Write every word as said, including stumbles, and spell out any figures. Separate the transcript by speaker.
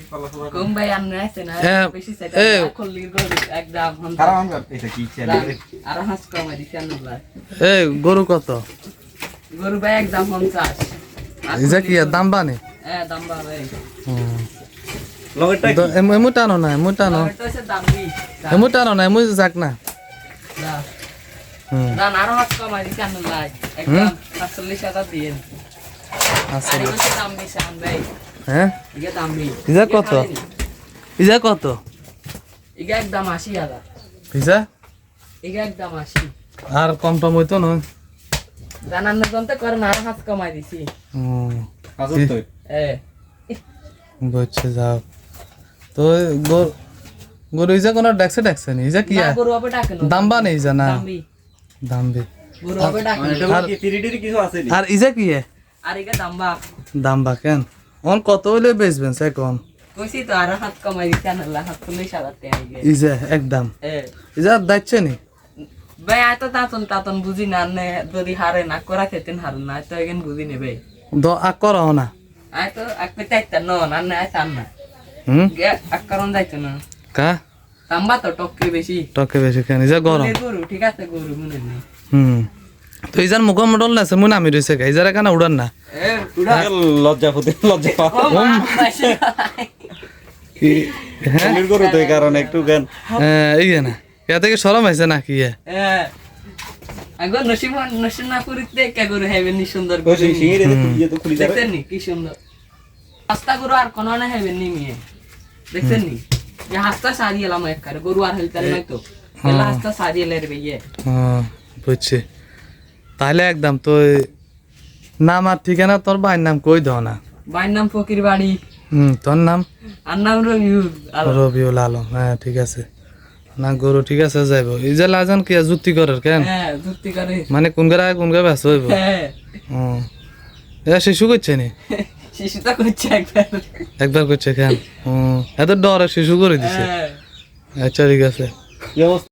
Speaker 1: কম ভাই আননে আছে না বেশি সেটা খল্লি গরু একদম
Speaker 2: কারণ এটা কি ছেলে
Speaker 1: আর হাঁস কমাই দিছি আনলা
Speaker 3: এই গরু কত
Speaker 1: গরু ভাই একদম পঞ্চাশ
Speaker 3: ইজা কি দাম বানে
Speaker 1: হ্যাঁ দাম বা ভাই
Speaker 3: হুম
Speaker 2: লগেরটা
Speaker 3: তো এমু টানো না এমু টানো
Speaker 1: এটা হচ্ছে দাম দি
Speaker 3: এমু টানো না এমু যাক না
Speaker 1: না
Speaker 3: হুম
Speaker 1: দাম আর হাঁস কমাই দিছি আনলা একদম সাতচল্লিশ হাজার দিয়ে
Speaker 3: আচ্ছা
Speaker 1: আর এটা দাম দিছি আন ভাই
Speaker 3: হ্যাঁ
Speaker 1: ইগা দাম দি
Speaker 3: ইজা কত ইজা কত
Speaker 1: ইগা একদম আশি হাজার
Speaker 3: ইজা
Speaker 1: ইগা একদম আশি
Speaker 3: আর কম টম হইতো না
Speaker 1: জানান না জনতে করেন আর হাঁস কমাই দিছি
Speaker 3: হুম
Speaker 2: হাজার তো
Speaker 1: এ
Speaker 3: বুঝছে যাও তো গরু গরু ইজা কোনো ডাকছে ডাকছে নি ইজা কি
Speaker 1: না গরু হবে ডাকে না
Speaker 3: দাম বানে ইজা না
Speaker 1: দাম বি
Speaker 3: দাম বে
Speaker 1: গরু হবে ডাকে
Speaker 2: এটা কি তিরিটির কিছু আছে নি
Speaker 3: আর ইজা কি
Speaker 1: আর ইগা দাম বা
Speaker 3: দাম বা কেন অন কত হইলে বেচবেন সে কম
Speaker 1: কইছি তো আর হাত কমাই দিছি আনলা সাতচল্লিশ হাজার টাকা ইগে
Speaker 3: ইজা একদম
Speaker 1: এ
Speaker 3: ইজা দাইছে নি
Speaker 1: ভাই আয় তো তাতন তাতন বুঝি না নে যদি হারে না করা খেতেন হারুন না তো এগেন বুঝি নে ভাই
Speaker 3: দ আকর না
Speaker 1: আয় তো আকপে চাইতা ন না না আয় চান না
Speaker 3: হুম
Speaker 1: গে আকরণ যাইতো না
Speaker 3: কা
Speaker 1: তাম্বা তো টককে বেশি
Speaker 3: টকে বেশি কেন ইজা গরম
Speaker 1: গরু গরু ঠিক আছে গরু মনে নেই
Speaker 3: হুম তো ইজার মুখ মডল না মুন আমি রইছে কা ইজার কেন উড়ান না
Speaker 1: এ উড়া
Speaker 2: লজ্জা হতে লজ্জা
Speaker 1: ও মা পাইছে
Speaker 3: কি হ্যাঁ
Speaker 2: এর করে তো এই কারণে একটু গান
Speaker 3: হ্যাঁ, এই না ইয়া থেকে শরম হইছে না কি
Speaker 1: এ আগো নসিব নসিব না করিতে কে গরু হেবেন নি সুন্দর
Speaker 2: ওই
Speaker 1: গরু
Speaker 2: সিঁড়ি রে তুই তো খুলি যাবে
Speaker 1: দেখছেন নি কি সুন্দর রাস্তা গরু আর কোন না হেবেন নি মিয়ে দেখছেন নি যে হাস্তা সারি এলাম একবারে গরু আর হেলতে নাই তো এলা হাস্তা সারি এলে রে ভাইয়ে
Speaker 3: হ্যাঁ বুঝছি তাহলে একদম তো নাম আর ঠিকানা তোর ভাইয়ের নাম কই দাও না
Speaker 1: ভাইয়ের নাম ফকির বাড়ি
Speaker 3: হুম তোর নাম
Speaker 1: আর নাম রবিউল আলম
Speaker 3: রবিউল আলম হ্যাঁ ঠিক আছে না গরু ঠিক আছে যাইব এই যে লাজন কি যুক্তি করার কেন
Speaker 1: হ্যাঁ যুক্তি করে
Speaker 3: মানে কোন গাড়ি কোন গাড়ি ব্যস্ত হইব
Speaker 1: হ্যাঁ
Speaker 3: হুম এ শিশু করছে নি
Speaker 1: শিশু তো করছে একবার
Speaker 3: একবার করছে কেন হুম এত ডরে শিশু করে দিছে
Speaker 1: হ্যাঁ
Speaker 3: আচ্ছা ঠিক আছে
Speaker 2: কি অবস্থা